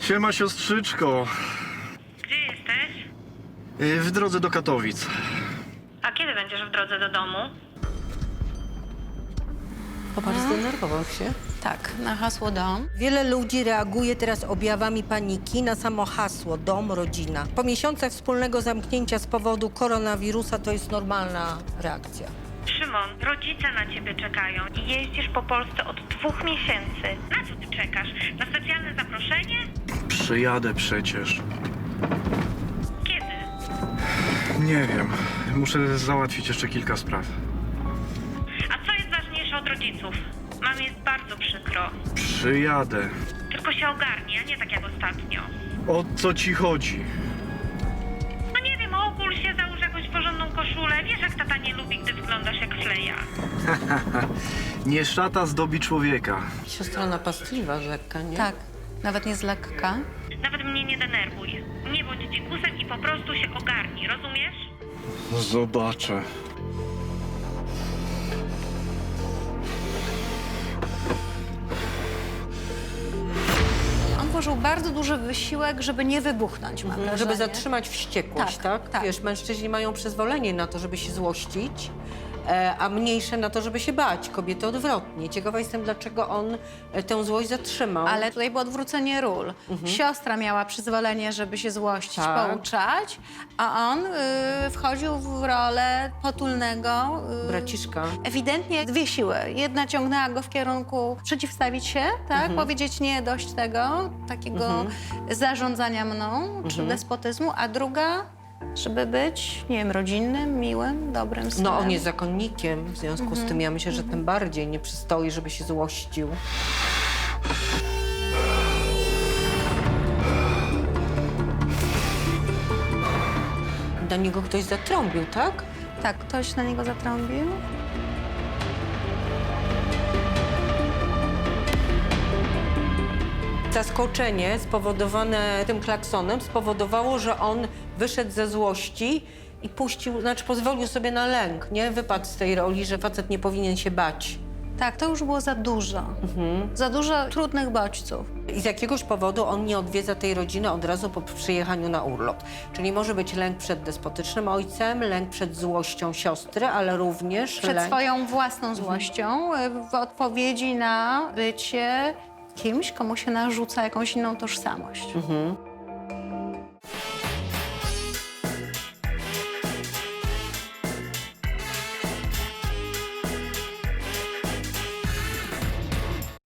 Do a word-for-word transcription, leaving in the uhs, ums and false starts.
Siema, siostrzyczko. Gdzie jesteś? Y, W drodze do Katowic. A kiedy będziesz w drodze do domu? Popatrz, zdenerwował się. Tak, na hasło dom. Wiele ludzi reaguje teraz objawami paniki na samo hasło dom, rodzina. Po miesiącach wspólnego zamknięcia z powodu koronawirusa to jest normalna reakcja. Szymon, rodzice na ciebie czekają i jeździsz po Polsce od dwóch miesięcy. Na co ty czekasz? Na specjalne zaproszenie? Przyjadę przecież. Kiedy? Nie wiem. Muszę załatwić jeszcze kilka spraw. A co jest ważniejsze od rodziców? Mam jest bardzo przykro. Przyjadę. Tylko się ogarnij, a nie tak jak ostatnio. O co ci chodzi? No nie wiem, ogól się, załóż jakąś porządną koszulę. Wiesz, jak tata nie lubi, gdy wyglądasz jak fleja. Nie szata zdobi człowieka. Siostra napastliwa z lekka, nie? Tak, nawet nie z lekka. Nawet mnie nie denerwuj. Nie bądź dzikusem i po prostu się ogarnij, rozumiesz? Zobaczę. On włożył bardzo duży wysiłek, żeby nie wybuchnąć, mam Mhm, wrażenie. żeby zatrzymać wściekłość, Tak, tak? tak. Wiesz, mężczyźni mają przyzwolenie na to, żeby się złościć, e, a mniejsze na to, żeby się bać. Kobiety odwrotnie. Ciekawa jestem, dlaczego on e, tę złość zatrzymał. Ale tutaj było odwrócenie ról. Siostra miała przyzwolenie, żeby się złościć, Tak. pouczać, a on y, wchodził w rolę potulnego. Y, Braciszka. Ewidentnie dwie siły. Jedna ciągnęła go w kierunku przeciwstawić się, tak? Powiedzieć nie, dość tego, takiego zarządzania mną, czy despotyzmu, a druga, żeby być, nie wiem, rodzinnym, miłym, dobrym synem. No on jest zakonnikiem, w związku z tym ja myślę, że tym bardziej nie przystoi, żeby się złościł. Na niego ktoś zatrąbił, tak? Tak, ktoś na niego zatrąbił. Zaskoczenie spowodowane tym klaksonem spowodowało, że on wyszedł ze złości i puścił, znaczy pozwolił sobie na lęk, nie? Wypadł z tej roli, że facet nie powinien się bać. Tak, to już było za dużo. Za dużo trudnych bodźców. I z jakiegoś powodu on nie odwiedza tej rodziny od razu po przyjechaniu na urlop. Czyli może być lęk przed despotycznym ojcem, lęk przed złością siostry, ale również Przed lęk... swoją własną złością y, w odpowiedzi na bycie kimś, komu się narzuca jakąś inną tożsamość. Mhm.